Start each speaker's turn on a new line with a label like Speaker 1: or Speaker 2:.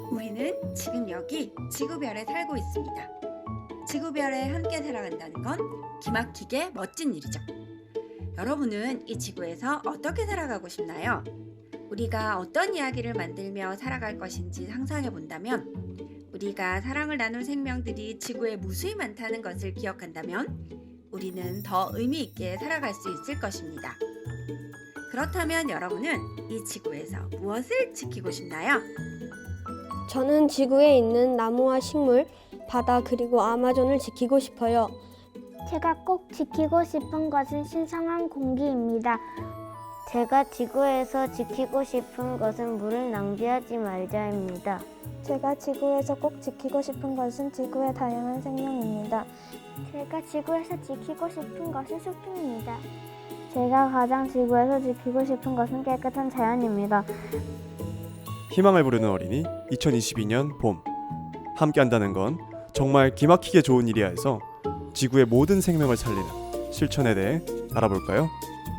Speaker 1: 우리는 지금 여기 지구별에 살고 있습니다. 지구별에 함께 살아간다는 건 기막히게 멋진 일이죠. 여러분은 이 지구에서 어떻게 살아가고 싶나요? 우리가 어떤 이야기를 만들며 살아갈 것인지 상상해 본다면, 우리가 사랑을 나눌 생명들이 지구에 무수히 많다는 것을 기억한다면 우리는 더 의미 있게 살아갈 수 있을 것입니다. 그렇다면 여러분은 이 지구에서 무엇을 지키고 싶나요?
Speaker 2: 저는 지구에 있는 나무와 식물, 바다 그리고 아마존을 지키고 싶어요.
Speaker 3: 제가 꼭 지키고 싶은 것은 신성한 공기입니다. 제가 지구에서 지키고 싶은 것은 물을 낭비하지 말자입니다.
Speaker 4: 제가 지구에서 꼭 지키고 싶은 것은 지구의 다양한 생명입니다.
Speaker 3: 제가 지구에서 지키고 싶은 것은 숲입니다. 제가 가장 지구에서 지키고 싶은 것은 깨끗한 자연입니다.
Speaker 5: 희망을 부르는 어린이 2022년 봄. 함께한다는 건 정말 기막히게 좋은 일이야 해서 지구의 모든 생명을 살리는 실천에 대해 알아볼까요?